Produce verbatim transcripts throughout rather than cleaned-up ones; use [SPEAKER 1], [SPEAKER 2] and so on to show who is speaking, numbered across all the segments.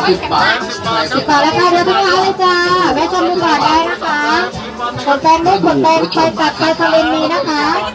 [SPEAKER 1] สิบบาท
[SPEAKER 2] สิบบาทราคาเดียวทุกร้านเลยจ้าแวะชมดูก่อนได้นะคะขนแปรงมุกขนแปรงไปจัดไปทะเลมีนะคะ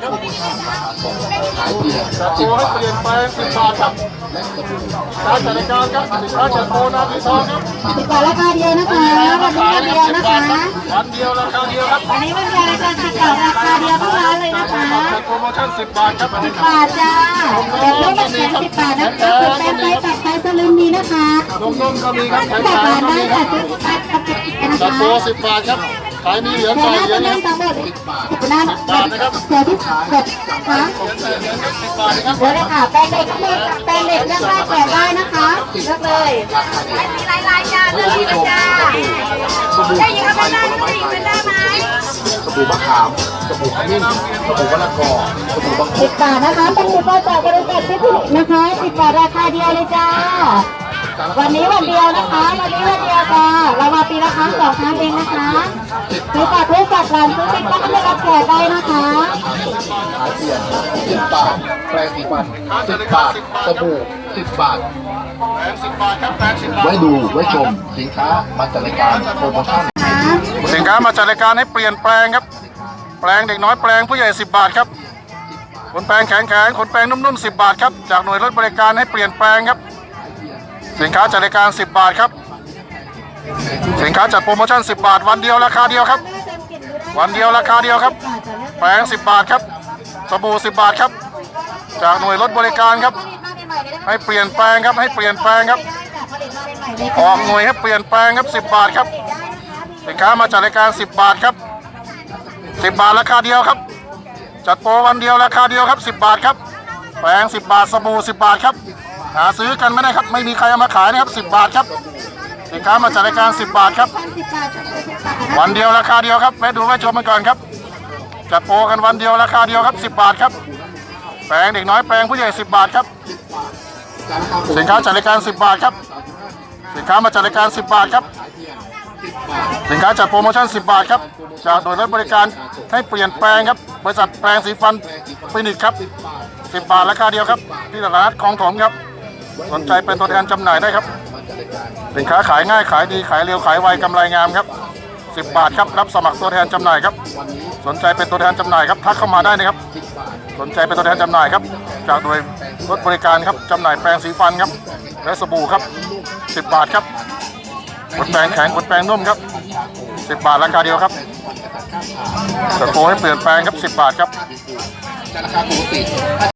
[SPEAKER 1] โอ้ให้เปลี่ยนแปลงสิบบาทครับการจัดการครับสินค้าจัดโปรนาทีทองครับ
[SPEAKER 2] สิบบาทราคาเดียวนะคะวันนี้วันเดียวนะคะ
[SPEAKER 1] วันเดียวราคาเดียวครับ
[SPEAKER 2] วันนี้วันเดียวราคาสิบบาทราคาเดียวทุกร้านเลยนะคะ
[SPEAKER 1] จัดโปรโมชั่นสิบบาทครับ
[SPEAKER 2] สิบบาทจ้าเด็กเล็กแขนสิบบาทนะคะขนแปรงไปจัดไปทะเลมีนะคะ
[SPEAKER 1] นมนมก็มีครับแขน
[SPEAKER 2] จัด
[SPEAKER 1] ขา
[SPEAKER 2] ร้าน
[SPEAKER 1] ก็
[SPEAKER 2] ได้
[SPEAKER 1] มีค
[SPEAKER 2] ค่ะ
[SPEAKER 1] รับ
[SPEAKER 2] ซื้อสิบบาทกับสิบบาทนะ
[SPEAKER 1] จัด
[SPEAKER 2] คะ
[SPEAKER 1] โปรสิบบาทครับขายมีเหรียญ
[SPEAKER 2] เดี๋ยว
[SPEAKER 1] ใส่
[SPEAKER 2] นะ
[SPEAKER 1] เหรียญ
[SPEAKER 2] จะ
[SPEAKER 1] นะ
[SPEAKER 2] เล่นทั้งหมดสิบบาทนะครับเดี๋ยวที่กดนะคะ
[SPEAKER 1] สิบบาทนะครับ
[SPEAKER 2] เดี๋ยวเลยค่ะแปรงเด็กก็มีแปรงเด็กเลือกได้แจกได้นะคะเลือกเลย
[SPEAKER 3] มีหลายๆจ้าเลือกเลยจ้าได้ยินกันได้ได้ยินกันได้ไหม
[SPEAKER 1] สบู่มะขามสบู่ขมิ้นสบู่มะละกอสบู่บาง
[SPEAKER 2] สิบบาทนะคะเป็นสิบบาทจากบริษัทที่ผลิตนะคะสิบบาทราคาเดียวเลยจ้าวันนี้วันเดียวนะคะวันนี้วันเดียวจ้าเรามาปีละครั้งสองครั้งเองนะคะซื้อฝากซื้อฝากร้านซื้อสิบบาทก็ได้รับแจกได้นะคะ
[SPEAKER 1] ขายเปลี่ยนสิบบาทแปรงสีฟันสิบบาทสบู่สิบบาทแปรงสิบบาทครับแปรงสิบบาทไว้ดูไว้ชมสินค้ามาจัดรายการโปรโมชั่นสินค้ามาจัดรายการให้เปลี่ยนแปลงครับแปลงเด็กน้อยแปลงผู้ใหญ่สิบบาทครับขนแปลงแข็งแข็งขนแปลงนุ่มๆสิบบาทครับจากหน่วยรถบริการให้เปลี่ยนแปลงครับสินค้าจัดรายการสิบบาทครับสินค้าจัดโปรโมชั่นสิบบาทวันเดียวราคาเดียวครับวันเดียวราคาเดียวครับแปลงสิบบาทครับสบู่สิบบาทครับจากหน่วยรถบริการครับให้เปลี่ยนแปลงครับให้เปลี่ยนแปลงครับออกหน่วยให้เปลี่ยนแปลงครับสิบบาทครับสินค้ามาจัดรายการสิบบาทครับสิบบาทราคาเดียวครับจัดโปรวันเดียวราคาเดียวครับสิบบาทครับแปลงสิบบาทสบู่สิบบาทครับหาซื้อกันไม่ได้ครับไม่มีใครเอามาขายนะครับสิบบาทครับสินค้ามาจัดรายการสิบบาทครับวันเดียวราคาเดียวครับแวะดูแวะชมกันก่อนครับจัดโปรกันวันเดียวราคาเดียวครับสิบบาทครับแปลงเด็กน้อยแปลงผู้ใหญ่สิบบาทครับสินค้าจัดรายการสิบบาทครับสินค้ามาจัดรายการสิบบาทครับสินค้าจัดโปรโมชั่นสิบบาทครับจากโดยรถบริการให้เปลี่ยนแปลงครับบริษัทแปลงสีฟันฟินิชครับสิบบาทราคาเดียวครับที่ตลาดนัดคลองถมครับสนใจเป็นตัวแทนจำหน่ายได้ครับสินค้าขายง่ายขายดีขายเร็วขายไวกำไรงามครับสิบบาทครับรับสมัครตัวแทนจำหน่ายครับสนใจเป็นตัวแทนจำหน่ายครับทักเข้ามาได้นะครับสนใจเป็นตัวแทนจำหน่ายครับจากโดยรถบริการครับจำหน่ายแปรงสีฟันครับและสบู่ครับสิบบาทครับขนแปรงแข็งขนแปรงนุ่มครับสิบบาทราคาเดียวครับจัดโปรให้เปลี่ยนแปลงครับสิบบาทครับราคาปกติ